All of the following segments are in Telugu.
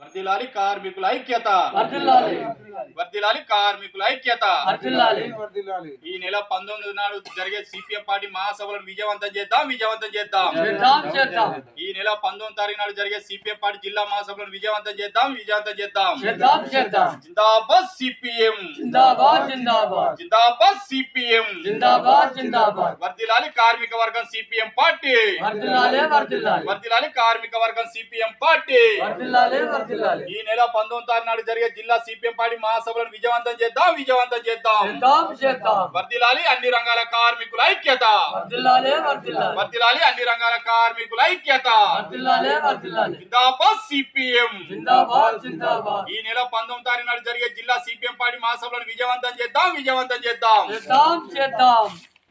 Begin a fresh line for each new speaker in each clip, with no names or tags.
వర్ధిల్లాలి కార్మికుల ఐక్యత,
వర్ధిల్లాలి
వర్ధిల్లాలి కార్మికుల ఐక్యత.
వర్ధిల్లాలి.
ఈ నెల 19 నాడు జరిగే సిపిఎం పార్టీ మహాసభలను విజయవంతం చేద్దాం, విజయవంతం చేద్దాం.
చేద్దాం చేద్దాం.
ఈ నెల 19 తారీఖు నాడు జరిగే సిపిఎం పార్టీ జిల్లా మహాసభలను విజయవంతం చేద్దాం, విజయవంతం చేద్దాం.
చేద్దాం చేద్దాం.
జిందాబాద్ సిపిఎం,
జిందాబాద్ జిందాబాద్,
జిందాబాద్ సిపిఎం,
జిందాబాద్ జిందాబాద్.
వర్ధిల్లాలి కార్మిక వర్గం సిపిఎం పార్టీ,
వర్ధిల్లాలి వర్ధిల్లాలి,
వర్ధిల్లాలి కార్మిక వర్గం సిపిఎం పార్టీ.
వర్ధిల్లాలి వర్ధిల్లాలి.
ఈ నెల 19 తారీఖు నాడు జరిగే జిల్లా సిపిఎం పార్టీ మహాసభలను విజయవంతం చేద్దాం, విజయవంతం చేద్దాం.
చేద్దాం చేద్దాం.
వర్ధిల్లాలి అన్ని రంగాల కార్మికుల ఐక్యత,
వర్ధిల్లాలి వర్ధిల్లాలి,
వర్ధిల్లాలి అన్ని రంగాల కార్మికుల ఐక్యత.
వర్ధిల్లాలి వర్ధిల్లాలి.
జిందాబాద్ సిపిఎం.
జిందాబాద్ జిందాబాద్.
ఈ నెల 19 తారీఖు నాడు జరిగే జిల్లా సిపిఎం పార్టీ మహాసభలను విజయవంతం చేద్దాం, విజయవంతం చేద్దాం.
చేద్దాం చేద్దాం.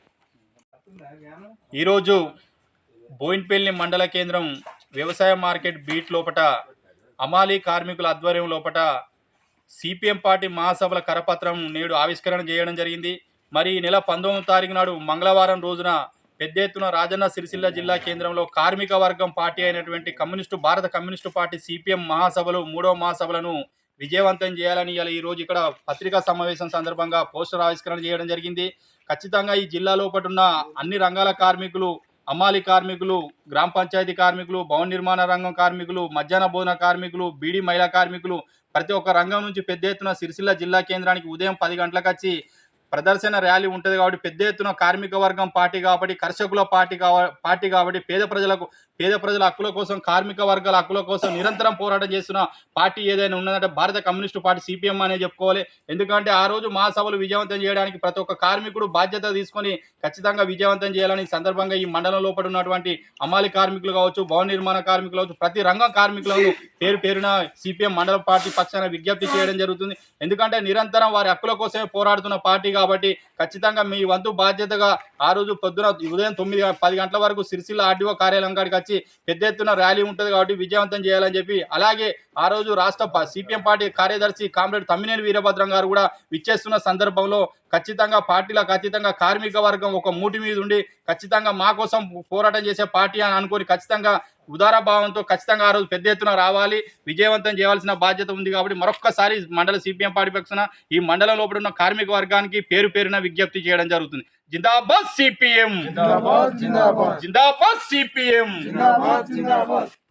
ఈరోజు బోయిన్పల్లి మండల కేంద్రం వ్యవసాయ మార్కెట్ బీట్ లోపట అమాలీ కార్మికుల ఆధ్వర్యం లోపట సిపిఎం పార్టీ మహాసభల కరపత్రం నేడు ఆవిష్కరణ చేయడం జరిగింది. మరి ఈ నెల 19 తారీఖు నాడు మంగళవారం రోజున పెద్ద ఎత్తున రాజన్న సిరిసిల్ల జిల్లా కేంద్రంలో కార్మిక వర్గం పార్టీ అయినటువంటి భారత కమ్యూనిస్టు పార్టీ సిపిఎం మహాసభలు 3వ మహాసభలను విజయవంతం చేయాలని ఈ రోజు ఇక్కడ పత్రికా సమావేశం సందర్భంగా పోస్టర్ ఆవిష్కరణ చేయడం జరిగింది. ఖచ్చితంగా ఈ జిల్లా లోపల ఉన్న అన్ని రంగాల కార్మికులు, అమ్మాలి కార్మికులు, గ్రామ పంచాయతీ కార్మికులు, భవన నిర్మాణ రంగం కార్మికులు, మధ్యాహ్న భోజన కార్మికులు, బీడీ మహిళా కార్మికులు ప్రతి ఒక్క రంగం నుంచి పెద్ద ఎత్తున సిరిసిల్ల జిల్లా కేంద్రానికి ఉదయం 10 గంటలకు వచ్చి ప్రదర్శన ర్యాలీ ఉంటుంది. కాబట్టి పెద్ద ఎత్తున కార్మిక వర్గం పార్టీ కాబట్టి, కర్షకుల పార్టీ కాబట్టి పేద ప్రజల హక్కుల కోసం, కార్మిక వర్గాల హక్కుల కోసం నిరంతరం పోరాటం చేస్తున్న పార్టీ ఏదైనా ఉన్నదంటే భారత కమ్యూనిస్టు పార్టీ సిపిఎం అనే చెప్పుకోవాలి. ఎందుకంటే ఆ రోజు మహాసభలు విజయవంతం చేయడానికి ప్రతి ఒక్క కార్మికుడు బాధ్యత తీసుకొని ఖచ్చితంగా విజయవంతం చేయాలని సందర్భంగా ఈ మండలం లోపల ఉన్నటువంటి అమాలి కార్మికులు కావచ్చు, భవన నిర్మాణ కార్మికులు కావచ్చు, ప్రతి రంగం కార్మికులను పేరున సిపిఎం మండల పార్టీ పక్షాన విజ్ఞప్తి చేయడం జరుగుతుంది. ఎందుకంటే నిరంతరం వారి హక్కుల కోసమే పోరాడుతున్న పార్టీ కాబట్టి ఖచ్చితంగా మీ వంతు బాధ్యతగా ఆ రోజు పొద్దున ఉదయం 9-10 గంటల వరకు సిరిసిల్ల ఆర్డీఓ కార్యాలయం కాడికి వచ్చి పెద్ద ఎత్తున ర్యాలీ ఉంటుంది కాబట్టి విజయవంతం చేయాలని చెప్పి, అలాగే ఆ రోజు రాష్ట్ర సిపిఎం పార్టీ కార్యదర్శి కామ్రేడ్ తమ్మినేని వీరభద్రం గారు కూడా విచ్చేస్తున్న సందర్భంలో ఖచ్చితంగా పార్టీలకు అతీతంగా కార్మిక వర్గం ఒక మూటి మీద ఉండి ఖచ్చితంగా మా కోసం పోరాటం చేసే పార్టీ అని అనుకొని ఖచ్చితంగా ఉదారభావంతో ఖచ్చితంగా ఆ రోజు పెద్ద ఎత్తున రావాలి, విజయవంతం చేయాల్సిన బాధ్యత ఉంది. కాబట్టి మరొక్కసారి మండల సిపిఎం పార్టీ పక్షాన ఈ మండలం లోపల ఉన్న కార్మిక వర్గానికి పేరున విజ్ఞప్తి చేయడం జరుగుతుంది. జిందాబాద్ సిపిఎం, జిందాబాద్ సిపిఎం.